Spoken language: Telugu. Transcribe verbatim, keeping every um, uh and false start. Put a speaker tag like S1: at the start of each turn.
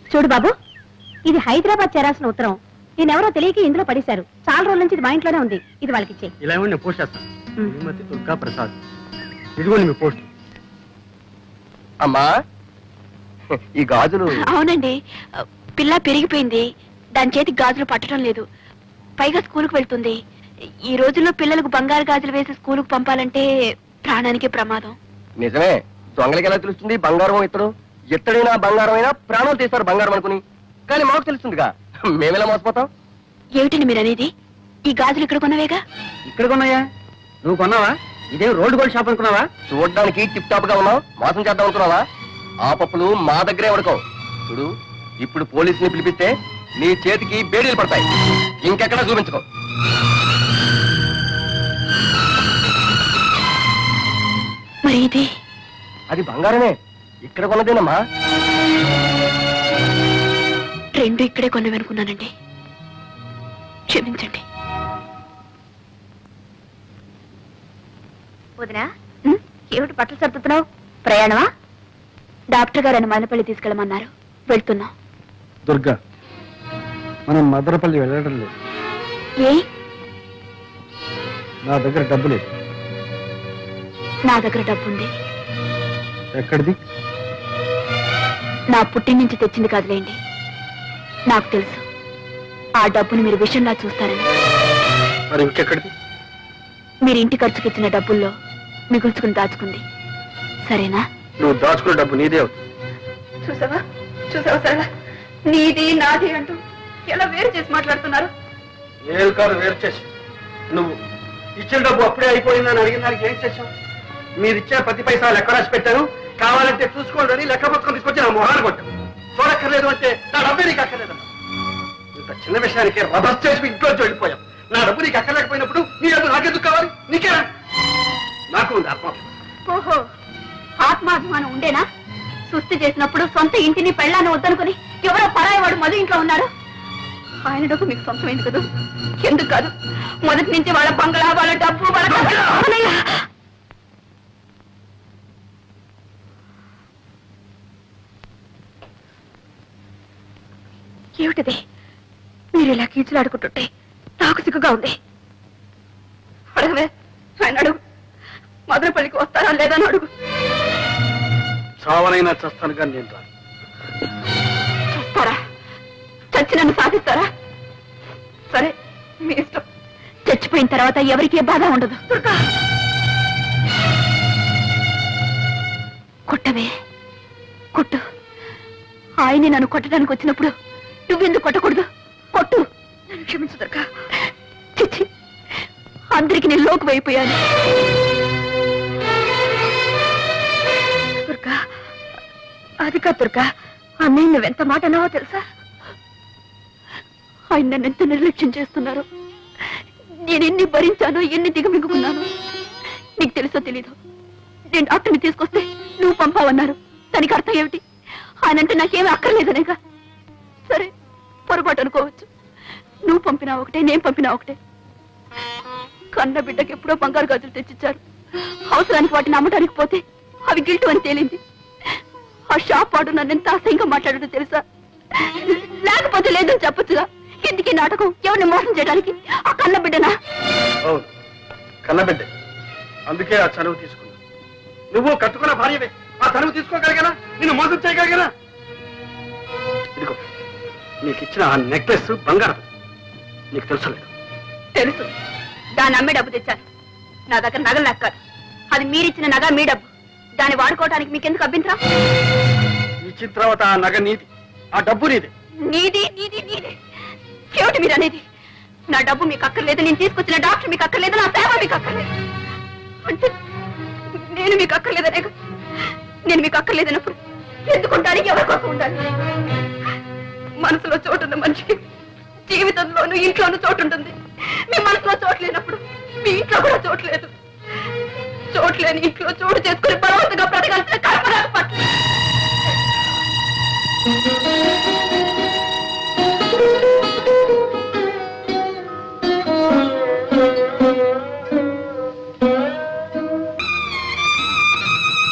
S1: చూడు బాబు, ఇది హైదరాబాద్ చేరాల్సిన ఉత్తరం. నేనెవరో తెలియక ఇందులో పడేశారు. చాలా రోజుల నుంచి ఇది మా ఇంట్లోనే ఉంది. ఇది వాళ్ళకి ఇచ్చే.
S2: ఇలా ఇవ్వండి, నేను పోస్ట్ చేస్తాను. శ్రీమతి దుర్గా ప్రసాద్, ఇదిగోండి మీ పోస్ట్.
S3: అమ్మా, ఈ గాజులు.
S4: అవునండి, పిల్ల పెరిగిపోయింది. దాని చేతికి గాజులు పట్టడం లేదు. పైగా స్కూల్కి వెళ్తుంది. ఈ రోజుల్లో పిల్లలకు బంగారు గాజులు వేసి స్కూలుకు పంపాలంటే ప్రాణానికి ప్రమాదం.
S3: నిజమే, దొంగలకి ఎలా తెలుస్తుంది బంగారం ఇతడు? ఎత్తడైనా బంగారం అయినా ప్రాణాలు తీస్తారు బంగారం అనుకుని. కానీ మాకు తెలుస్తుందిగా, మేమెలా మోసపోతాం?
S4: ఏమిటండి మీరు అనేది? ఈ గాజులు ఇక్కడ కొన్నవేగా?
S2: ఇక్కడ కొన్నాయా? నువ్వు కొన్నావా? ఇదేం రోడ్డు గోల్డ్ షాప్ అనుకున్నావా?
S3: చూడడానికి టిప్ టాప్ గా ఉన్నావు, మోసం చేద్దాం అనుకున్నావా? ఆ పప్పులు మా దగ్గరే ఉడకవు. చూడు, ఇప్పుడు పోలీసుని పిలిపిస్తే నీ చేతికి బేడీలు పడతాయి. ఇంకెక్కడా చూపించుకో.
S4: మరి ఇది?
S3: అది బంగారమే, ఇక్కడ కొన్నదేనమ్మా.
S4: రెండు ఇక్కడే కొన్నవనుకున్నానండి, క్షమించండి.
S1: వదినా, ఏమిటి బట్టలు సర్దుతున్నావు? ప్రయాణమా?
S4: డాక్టర్ గారు అని మదనపల్లి తీసుకెళ్ళమన్నారు, వెళ్తున్నాం.
S2: దుర్గా, మనం మదనపల్లి వెళ్ళడం లేదు.
S4: ఏ?
S2: నా దగ్గర డబ్బు లేదు.
S4: నా దగ్గర డబ్బుంది.
S2: ఎక్కడిది?
S4: నా పుట్టిన నుంచి తెచ్చింది కాదులేండి. నాకు తెలుసు ఆ డబ్బుని మీరు విషయంలా చూస్తారని.
S2: మరి ఇంకెక్కడిది?
S4: మీరు ఇంటి ఖర్చుకి ఇచ్చిన డబ్బుల్లో మిగుల్చుకుని దాచుకుంది. సరేనా?
S2: నువ్వు దాచుకున్న డబ్బు నీదే అవుతుంది.
S4: చూసావా చూసావా సరళ, నీది నాది అంటూ ఎలా వేరు చేసి మాట్లాడుతున్నారు.
S2: నేను కాదు వేరు చేసి, నువ్వు ఇచ్చిన డబ్బు అప్పుడే అయిపోయిందని అడిగిన దానికి ఏం చేశావు? మీరు ఇచ్చే ప్రతి పైసా లెక్క రాసి పెట్టాను, కావాలంటే చూసుకోండి అని లెక్క పుస్తకం తీసుకొచ్చి నా మొహాన్ని కొట్టాను. చూడక్కర్లేదు అంటే నా డబ్బే నీకు అక్కర్లేదు. ఇంత చిన్న విషయానికి రభస్ చేసి ఇంట్లో వెళ్ళిపోయాం. నా డబ్బు నీకు అక్కర్లేకపోయినప్పుడు నీ డబ్బు నాకెందుకు కావాలి? నీకే నాకు ఉంది ఆత్మాభిమానం.
S4: ఓహో, ఆత్మాభిమానం ఉండేనా? సుస్థి చేసినప్పుడు సొంత ఇంటిని పెళ్ళాన్ని వద్దనుకుని ఎవరో పరాయవాడు మధు ఇంట్లో ఉన్నారు. ఆయన డబ్బు మీకు సొంతమైంది కదా? ఎందుకు కాదు? మొదటి నుంచి వాళ్ళ బంగళా, వాళ్ళ డబ్బు, వాళ్ళ ఏమిటిది? మీరు ఇలా కీచులాడుకుంటుంటే నాకు సిగ్గుగా ఉంది. అడగవే, ఆయన అడుగు. మదనపల్లికి వస్తారా లేదని అడుగు.
S2: చావనైనా చస్తాను కానీ నేను రాను.
S4: చస్తారా? చచ్చి నన్ను సాధిస్తారా? సరే, మీ ఇష్టం. చచ్చిపోయిన తర్వాత ఎవరికీ బాధ ఉండదు. కొట్టవే, కొట్టు. ఆయన్ని నన్ను కొట్టడానికి వచ్చినప్పుడు నువ్వెందుకు కొట్టకూడదు? కొట్టు. నన్ను క్షమించు దుర్గా. చిచ్చి, అందరికి నేను లోకు అయిపోయాను. దుర్గా, అది కాదు దుర్గా. అన్నయ్య నువ్వెంత మాట అన్నావో తెలుసా? ఆయన నన్ను ఎంత నిర్లక్ష్యం చేస్తున్నారు. నేను ఎన్ని భరించానో, ఎన్ని దిగమింగుకున్నాను. నీకు తెలుసో తెలీదు. నేను డాక్టర్ని తీసుకొస్తే నువ్వు పంపావన్నారు. దానికి అర్థం ఏమిటి? ఆయనంటే నాకేమీ అక్కర్లేదనేగా. సరే, పొరపాటు అనుకోవచ్చు. నువ్వు పంపినా ఒకటే, నేను పంపినా ఒకటే. కన్న బిడ్డకి ఎప్పుడో బంగారు గాజులు తెచ్చిచ్చారు. అవసరానికి వాటిని అమ్మటానికి పోతే అవి గిల్టు అని తేలింది. ఆ షాప్ వాడు నన్ను ఎంత అసహ్యంగా మాట్లాడటో తెలుసా? లేకపోతే లేదని చెప్పొచ్చుగా. ఎందుకీ నాటకం? ఎవరిని మోసం చేయడానికి? ఆ కన్న బిడ్డనా?
S2: అవును, కన్నబిడ్డ. అందుకే ఆ చనువు తీసుకున్నా. నువ్వు కట్టుకున్న భార్యవే, ఆ చనువు తీసుకోగలిగానా? నిన్ను మోసం చేయగలిగానా? ఇదిగో, నీకు ఇచ్చిన ఆ నెక్లెస్ బంగారం. నీకు తెలుసు లేదు?
S4: తెలుసు. దాన్ని అమ్మే డబ్బు తెచ్చాను. నా దగ్గర నగలు లెక్కాలి. అది మీరిచ్చిన నగ, మీ డబ్బు. దాన్ని వాడుకోవడానికి మీకెందుకు అభ్యంతరం?
S2: ఇచ్చిన తర్వాత ఆ నగ నీది, ఆ డబ్బు నీది.
S4: నీది నీది నీది ఏమిటి మీరు అనేది? నా డబ్బు మీకు అక్కర్లేదు, నేను తీసుకొచ్చిన డాక్టర్ మీకు అక్కర్లేదు, నా సేవ మీకు అక్కర్లేదు అంటే నేను మీకు అక్కర్లేదనే. నేను మీకు అక్కర్లేదన్నప్పుడు ఎందుకుంటానికి ఎవరి కోసం ఉండాలి? మనసులో చోటున్న మనిషికి జీవితంలోనూ ఇంట్లోనూ చోటు ఉంటుంది. మీ మనసులో చోటు లేనప్పుడు మీ ఇంట్లో కూడా చోటు లేదు. చోటు లేని ఇంట్లో చోటు చేసుకుని